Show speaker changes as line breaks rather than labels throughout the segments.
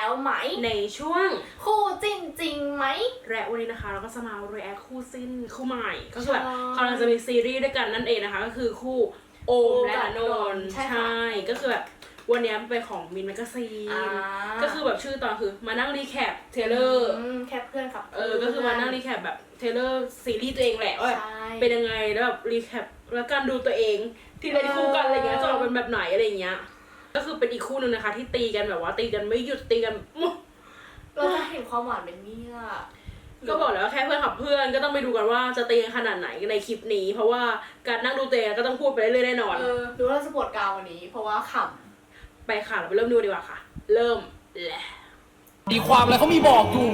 แล้วไหม
ในช่วง
คู่จิ้นจริงไหม
และวันนี้นะคะเราก็จะมา react คู่จิ้นคู่ใหม่ก็คือแบบกำลังจะมีซีรีส์ด้วยกันนั่นเองนะคะก็คือคู่โอมและณนนท์ใช่ก็คือแบบวันนี้เป็นของมินแมกซีนก็คือแบบชื่อตอนคือมานั่งรีแคปเทเลอร์
แคปเพื่อนครับ
ก็คือมานั่งรีแคปแบบเทเลอร์ซีรีส์ตัวเองแหละว่าเป็นยังไงแล้วแบบรีแคปแล้วการดูตัวเองที่เล่นคู่กันอะไรเงี้ยจะออกเป็นแบบไหนอะไรเงี้ยก็คือเป็นอีกคู่หนึ่งนะคะที่ตีกันแบบว่าตีกันไม่หยุดตีกัน
เราจะเห็นความหวานเป็นเนี่ย
ก็บอกแล้วว่าแค่เพื่อนขับเพื่อนก็ต้องไปดูกันว่าจะตีกันขนาดไหนในคลิปนี้เพราะว่าการนั่งดูตัวเองก็ต้องพูดไปเรื่อยๆแน่นอน
ดูว่าเราจะปวดกาววันนี้เพราะว่าข
ำไปค่ะเราไปเริ่มดูดีกว่าค่ะเริ่มแหละ
ดีความอะไรเขามีบอกอยู่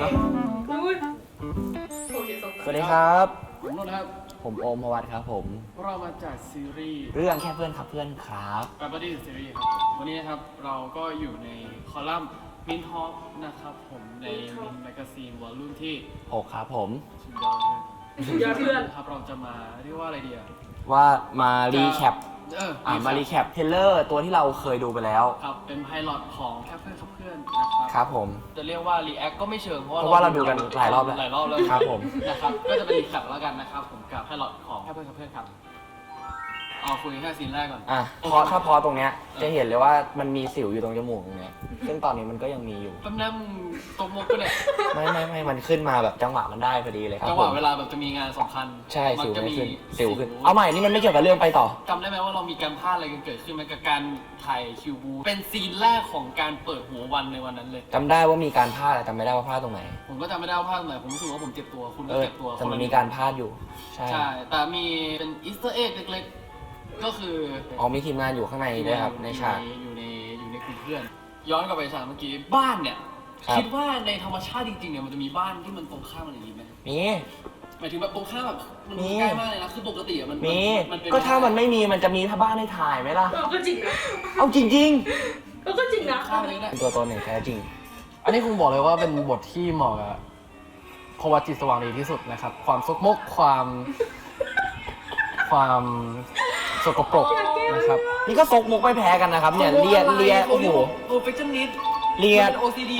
สวัสดีครับ
ผมนนท์ครับ
ผมโอมพวัตครับผม
เรามาจากซีรีส์
เรื่องแค่เพื่อนขับเพื่อนครับ
การ์ดี้ซีรีส์ครับวันนี้นะครับเราก็อยู่ในคอลัมน์มินฮอปนะครับผมในมินแมกซีนวอลลุ่มที่
6ครับผม
สุดยอดเพื่อนครับเราจะมาเรียกว่าอะไรดีอะ
ว่ามารีแคปมารีแคปเทเลอร์ตัวที่เราเคยดูไปแล้ว
ครับเป็นไพลอตของแค่เพื่อนขับเพื่อนนะครับ
ครับผม
จะเรียกว่ารีแอคก็ไม่เชิงเพราะ
ว่าเราดูกันหลายรอบแล้ว
ครับผมนะครับก็จะเป็นรีแคปแล้วกันนะครับผมกับไพลอตของแค่เพื่อนขับเพื่อนครับเอาคุยแค่ซีนแรกก่อน
เพราะถ้าพอตรงเนี้ยจะเห็นเลยว่ามันมีสิวอยู่ตรงจมูกตรงเนี้ยซึ่งตอนนี้มันก็ยังมีอยู่
แป๊บนึงตรงมุกก็เนี่ย
ไม่มันขึ้นมาแบบจังหวะมันได้พอดีเลยครับ
จังหวะเวลาแบบจะมีงานสำคัญ
ใช่สิวไม่ขึ้นสิวขึ้นเอาใหม่นี่มันไม่เกี่ยวกับเรื่องไปต่อ
จำได้ไหมว่าเรามีการพลาดอะไรกันเกิดขึ้นไหมกับการถ่ายคิวบูเป็นซีนแรกของการเปิดหัววันในวันนั้นเลย
จำได้ว่ามีการพลาดแต่จำไม่ได้ว่าพลาดตรงไหน
ผมก็จำไม่ได้ว่าพลาดตรงไหนผมรู้สึกว่าผมเจ็บตัวคุณก็เจ็บตัว
แต่มันมีการพลาดอยู่
ใช่แต่มีเป็นอีสเตอร์เอ็กเล็กก็คือ
มีทีมงานอยู่ข้างในด้วยครับในฉาก
อยู่ในกลุ่มเพื่อนย้อนกลับไปฉากเมื่อกี้บ้านเนี่ยคิดว่าในธรรมชาติจริงๆเนี่ยมันจะมีบ้านที่มันตรงข้ามอะไรอย่างนี้ไหม
มี
หมายถึงแบบตรงข้ามแบบมันใกล้มากเลยนะคือปกติมัน
มีก็ถ้ามันไม่มีมันจะมีบ้านให้ถ่ายไหมล่ะ
ก็จริงนะ
เอาจริงๆ
ก็จริงนะ
เป็นตัวตนหนึ่งแท้จริง
อันนี้คงบอกเลยว่าเป็นบทที่เหมาะกับพวัตจิตสว่างดีที่สุดนะครับความซกมกความสกปรกนะครับ
นี่ก็ซกมกไม่แพ้กันนะครับเนี่ยเลียโอ้โห
perfectionist
เลีย
OCD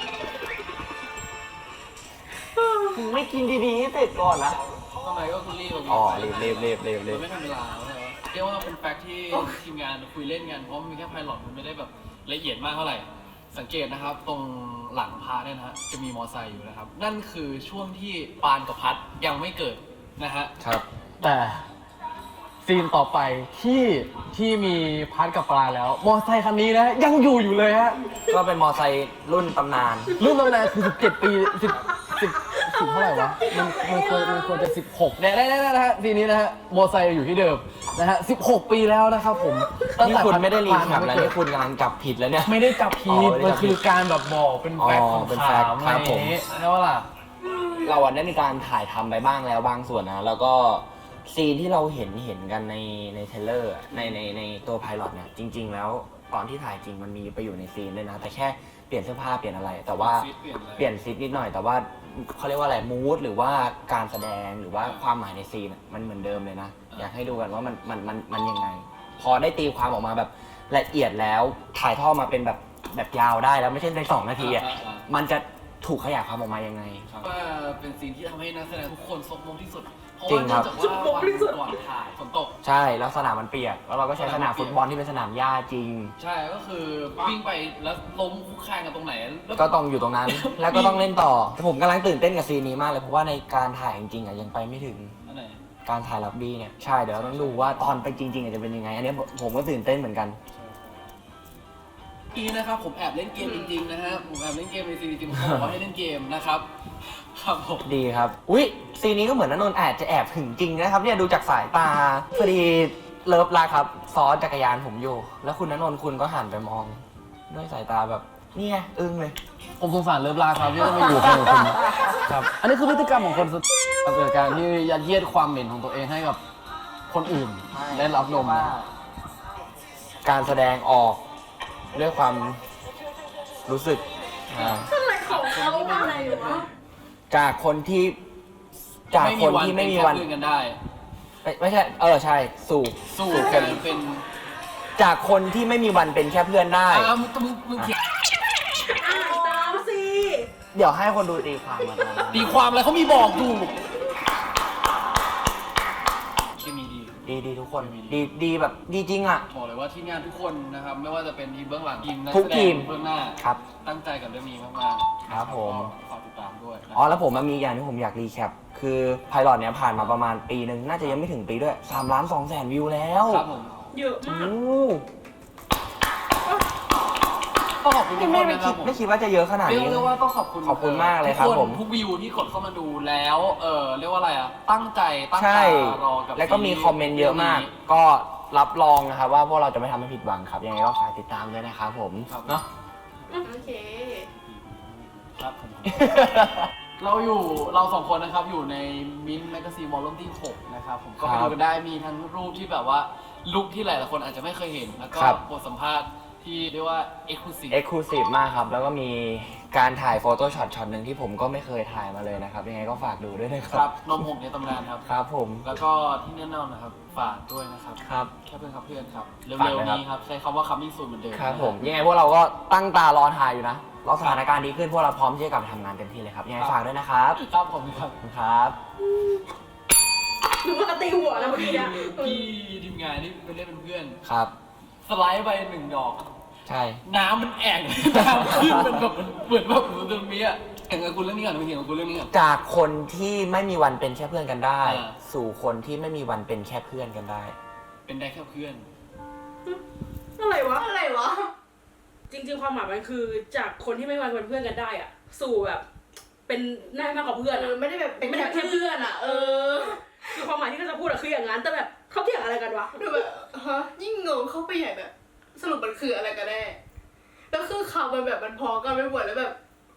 มึงไม่กินดีๆเสร็จก่อนนะ
ทำไมก็คุณรีบ
รีบ
ไม่ทันเวลาเรียกว่าเป็นแฟกต์ที่ทีมงานคุยเล่นกันเพราะมีแค่ไพลอตมันไม่ได้แบบละเอียดมากเท่าไหร่สังเกตนะครับตรงหลังพาเนี่ยนะฮะจะมีมอไซค์อยู่นะครับนั่นคือช่วงที่ปานกับพัดยังไม่เกิดนะฮะ
ครับ
แต่ซีนต่อไปที่มีพัดกับปลาแล้วมอไซค์คันนี้นะยังอยู่เลยฮะ
ก็เป็นมอไซค์รุ่นตำนาน
คือ17 ปี10เท่าไหร่วะมันควรจะ16เนี่ยได้นะฮะซีนนี้นะฮะมอไซค์อยู่ที่เดิมนะฮะ16 ปีแล้วนะครับผม
นี่คุณไม่ได้รีแคปแล้วนี่คุณกำลังจับผิดแล้วเนี่ย
ไม่ได้จับผิดมันคือการแบบบอกเป็นแฟกต์ของข่าว
ครับผม
แล้วล่ะ
เราได้มีการถ่ายทำไปบ้างแล้วบางส่วนนะแล้วก็ซีนที่เราเห็นกันในเทเลอร์ในตัวไพลอตเนี่ยจริงๆแล้วตอนที่ถ่ายจริงมันมีไปอยู่ในซีนด้วยนะแต่แค่เปลี่ยนเสื้อผ้าเปลี่ยนอะไรแต่ว่าเปลี่ยนซีนนิดหน่อยแต่ว่าเขาเรียกว่าอะไรมูดหรือว่าการแสดงหรือว่าความหมายในซีนมันเหมือนเดิมเลยนะอยากให้ดูกันว่ามันยังไงพอได้ตีความออกมาแบบละเอียดแล้วถ่ายทอดมาเป็นแบบยาวได้แล้วไม่ใช่ใน2 นาทีอ่ะมันจะถูกขยายความออกมายังไง
ว่าเป็นซีนที่ทำให้นักแสดงทุกคนซกมกที่สุด
จริงครับ
ซกมกที่สุดก่อนถ่ายฝนตก
ใช่แล้วสนามมันเปียกแล้วเราก็ใช้สนามฟุตบอลที่เป็นสนามหญ้าจริง
ใช่ก็คือวิ่งไปแล้วล้มคุกคานกันตรงไหน
ก็ต้องอยู่ตรงนั้นแล้วก็ต้องเล่นต่อผมกำลังตื่นเต้นกับซีนนี้มากเลยเพราะว่าในการถ่ายจริงๆยังไปไม่ถึงการถ่ายลับบี้เนี่ยใช่เดี๋ยวต้องดูว่าตอนไปจริงๆจะเป็นยังไงอันนี้ผมก็ตื่นเต้นเหมือนกัน
นะครับผมแอบเล่นเกมจริงๆนะฮะผมแอบเล่นเกมในซีรีส์จริงๆเขาบอกว่าให้เล่นเกมนะครับครับผม
ดีครับอุ๊ยซีนี้ก็เหมือนณนนท์อาจจะแอบถึงจริงนะครับเนี่ยดูจากสายตาพอดีเลิฟลาครับซ้อนจักรยานผมอยู่แล้วคุณณนนท์คุณก็หันไปมองด้วยสายตาแบบนี่ไงอึ้งเลย
ผมสงสารเลิฟลาครับที่ต้องมาอยู่กับคุณครับอันนี้คือพฤติกรรมของคนเกิดการที่ยัดเยียดความเหม็นของตัวเองให้กับคนอื่นได้รับนม
การแสดงออกด้วยความรู้สึกจากคนที่ไม่มีวัน
กันได้
ไม่ใช่ใช่สู่
เป็น
จากคนที่ไม่มีวันเป็นแค่เพื่อนได้
มึงเขียน
ดี๋ยวให้คนดูตีความมา
ตีความอะไรเขามีบอกอยู่เคมีดี
ดีทุกคนดีแบบดีจริงอ่ะ
บอกเลยว่าทีมงานทุกคนนะครับไม่ว่าจะเป็นทีมเบื้องหลังทีมนัก
ทุ
แส
ก
ด
ที
ง
ม
เบื้องหน้า
ครับ
ตั้งใจกับเรื่องนี้มากๆ
ครับผม
ก็ฝากติดตามด้วยนะ
อ๋อแล้วผมมีอย่างที่ผมอยากรีแคปคือไพลอตเนี้ยผ่านมาประมาณปีหนึ่งน่าจะยังไม่ถึงปีด้วย3,200,000 วิวแล้ว
ครับผม
เยอะมาก
โอ้
ก็ขอบคุณทุกคนนะครับผม
ไม่คิดว่าจะเยอะขนาด
เรีย
นี้
กว่าต้องขอบคุณ
ขอบคุณมากเลยครับ
ทุกน
ผม
ทุกวิวที่กดเข้ามาดูแล้วเรียกว่าอะไรอ่ะตั้งใจตั้ง
ใช่
ตารอกับ
แล้วก็มีคอมเมนต์เยอะมาก ก็รับรองนะครับว่าพวกเราจะไม่ทำให้ผิดหวังครับ ยังไงก็ฝากติดตามด้วยนะครับผม เนาะ
โอเค
ครับผมเราสองคนนะครับอยู่ในมินแมกกาซีนวอลลุ่มที่ 6 นะครับผมก็ไป
ครั
ดู
บ
กันได้มีทั้งรูปที่แบบว่าลุคที่หลายๆคนอาจจะไม่เคยเห็น แล้วก็
ครับ
บทสัมภาษณ์ที่เรียกว่า exclusive
เอ็กซ์คลูซีฟมากครับ แล้วก็มีการถ่ายโฟโต้ช็อตหนึ่งที่ผมก็ไม่เคยถ่ายมาเลยนะครับ ยังไงก็ฝากดูด้วยนะค
ค
รั
รับ บนมหกในตำนานครับ
ครับผม
แล้วก็ที่แน่นอนนะครับฝากด้วยนะครับ
ครับ
แค่เพื่อนครับเพื่อนครับ
ฝาก
เร็ว
ด้วย
ๆ
ครับ
นี้ครับใช้คำว่า coming soon เหมือนเดิม
ครับผม ยังไงพวกเราก็ตั้งตารอถ่ายอยู่นะรอสถานการณ์ดีขึ้นพวกเราพร้อมที่จะกลับไปทำงานเต็มที่เลยครับ ยังไงฝากด้วยนะครับ
ครับผมครับ
ขอบคุณครับ
หนูว่าตีหัวแล้วเมื่อกี้เนี่ย
พี่ทีมงานนี่ไปเล่นเป็นเพื่อน
ครับ
สไลด์ไป1 ดอก
ใช่
น้ำมันแอ่ง น้ำขึ้นมันแบบเหมือนแบบเหมือนตรงนี้อ่ะแข่งกับคุณเรื่องนี้ก่อนไม่เห็นกับคุณเรื่องนี้ก่อน
จากคนที่ไม่มีวันเป็นแค่เพื่อนกันได้
อ่า
สู่คนที่ไม่มีวันเป็นแค่เพื่อนกันได้
เป็นได้แค่เพื่อน
อะไรวะ
อะไรวะ
จริงๆความหมายมันคือจากคนที่ไม่มาเป็นเพื่อนกันได้อะสู่แบบ เป็นหน้ามากกว่าเพื่อนอะ
ไม่ได้แบบเป็น
ไม่ได้
แค่
เป็นแค่
เพื่
เพื่
อ
อน น
อ่ะ
อะคือความหมายที่เขาจะพูดอะคืออย่างนั้นแต่แบบเขาเถียงอะไรกันวะ
ดูแบบฮะยิ่งงงเข้าไปใหญ่แบบ สรุปมันคืออะไรกันแน่แล้วคือข่าวมันแบบมันพอกันไปหมดแล้วแบบ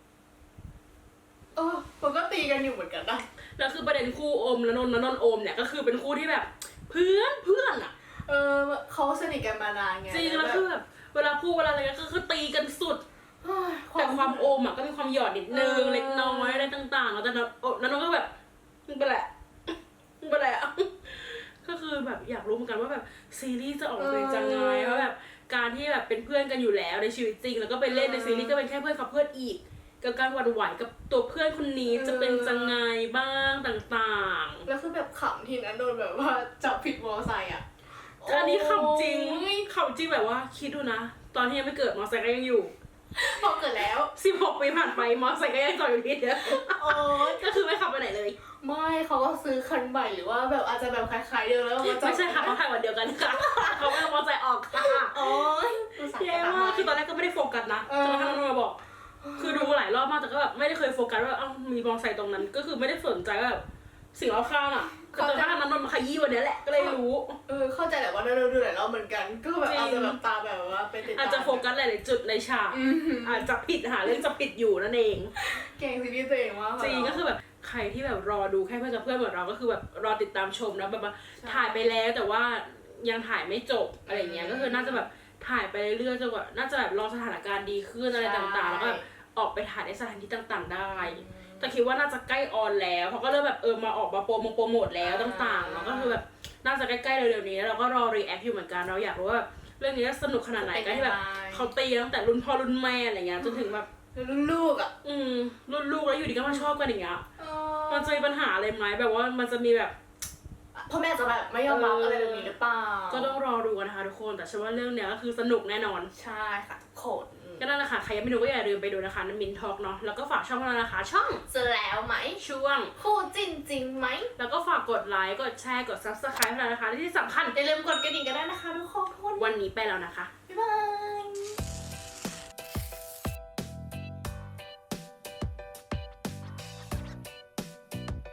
มันก็ตีกันอยู่เหมือนกันนะ
แล้วคือประเด็นคู่โอมและนนท์โอมเนี่ยก็คือเป็นคู่ที่แบบเพื่อนอะ
เขาสนิทกันมานานไง
จริงแล้วคือแบบเวลาพูดเวลาอะไรก็คือตีกันสุด แต่ความโอมอ่ะก็มีความหยอดนิดนึงเล็กน้อยอะไรต่างๆแล้วแต่นั้นก็แบบมึงเป็นแหละก็คือแบบอยากรู้เหมือนกันว่าแบบซีรีส์จะออกมาเป็นจังไงว่าแบบการที่แบบเป็นเพื่อนกันอยู่แล้วในชีวิตจริง แล้วก็ไปเล่นในซีรีส์ก็เป็นแค่เพื่อนกับเพื่อนอีกกับการหวั่นไหวกับตัวเพื่อนคนนี้จะเป็นจังไงบ้างต่างๆ
แล้วคือแบบขำทีนั้นโดนแบบว่าจับผิดมอไซค์อ่ะ
อันนี้ขำจริง
โอ้ย
ขำจริงแบบว่าคิดดูนะ ตอนที่ยังไม่เกิดมอไซค์ก็ยังอยู่
พอเกิดแล้ว
16 ปีผ่านไปมอไซค์ก็ยังจอดอยู่ที่เดิม
โอ้ย
ก็คือไม่ขับไปไหนเลย
ไม่เขาก็ซื้อคันใหม่หรือว่าแบบอาจจะแบบคล้ายๆเดิมแล้วมาจับ
ไม่ใช่ค่ะเขาถ่ายวันเดียวกันค่ะ เขาไม่เอามอไซค์ออกค่ะ
โอ้ยอุตส่าห์
แย่มากคือตอนแรกก็ไม่ได้โฟกัสนะจนกระทั่งน้องมาบอก คือดูมาหลายรอบมากแต่ก็แบบไม่ได้เคยโฟกัสว่าเอ้ามีมอไซค์ตรงนั้น ก็คือไม่ได้สนใจว่าแบบสิ่งรอบข้างอ่ะคือจนกระทั่งนั้นนนมาขยี้วันนี้แหละก็เลยรู้
เข้าใจแหละว่าเราดูหลายรอบเหมือนกัน ก็แบบอาจจะแบบตาแบบว่าไปติดตาม
อาจจะโฟกัสหลายๆจุดในฉาก อาจจะผิดหาเรื่องจะผิดอยู่นั่นเอง
เก่งซีรีส์ตัวเองมาก
จริงก็คือแบบใครที่แบบรอดูแค่เพื่อนกับเพื่อนเหมือนเราก็คือแบบรอติดตามชมนะแบบว่าถ่ายไปแล้วแต่ว่ายังถ่ายไม่จบอะไรเงี้ยก็คือน่าจะแบบถ่ายไปเรื่อยๆจนกว่าน่าจะแบบรอสถานการณ์ดีขึ้นอะไรต่างๆแล้วก็แบบออกไปถ่ายในสถานที่ต่างๆได้แต่คิดว่าน่าจะใกล้ออนแล้วเขาก็เริ่มแบบมาออกมาโปรโมทแล้วต่างๆเนาะก็คือแบบน่าจะใกล้ๆเร็วๆนี้แล้วเราก็รอรีแอคอยู่เหมือนกันเราอยากรู้ว่าเรื่องนี้จะสนุกขนาดไหนกันที่แบบเขาตีตั้งแต่รุ่นพ่อรุ่นแม่อะไรเงี้ยจนถึงแบบ
รุ่นลูกอ่ะ
รุ่นลูกแล้วอยู่ดีก็มาชอบกันอย่างเงี้ยมันจะมีปัญหาอะไรไหมแบบว่ามันจะมีแบบ
พ่อแม่จะแบบไม่ยอมรับอะไรแบบนี้หรือเปล่า
ก็ต้องรอดูกันนะคะทุกคนแต่เชื่อว่าเรื่องเนี้ยก็คือสนุกแน่นอน
ใช่ค่ะทุกคน
ก็นั่นแหละค่ะใครยังไม่ดูก็อย่าลืมไปดูนะคะในมินทอกเนาะแล้วก็ฝากช่องเรานะคะช่อง
จะแล้วไหม
ช่วง
คู่จริงจริงไหม
แล้วก็ฝากกดไลค์กดแชร์กด subscribe ให้เรานะคะและที่สำคัญ
อย่าลืมกดกระดิ่งกันได้นะคะทุกคน
วันนี้ไปแล้วนะคะ
บ๊ายบาย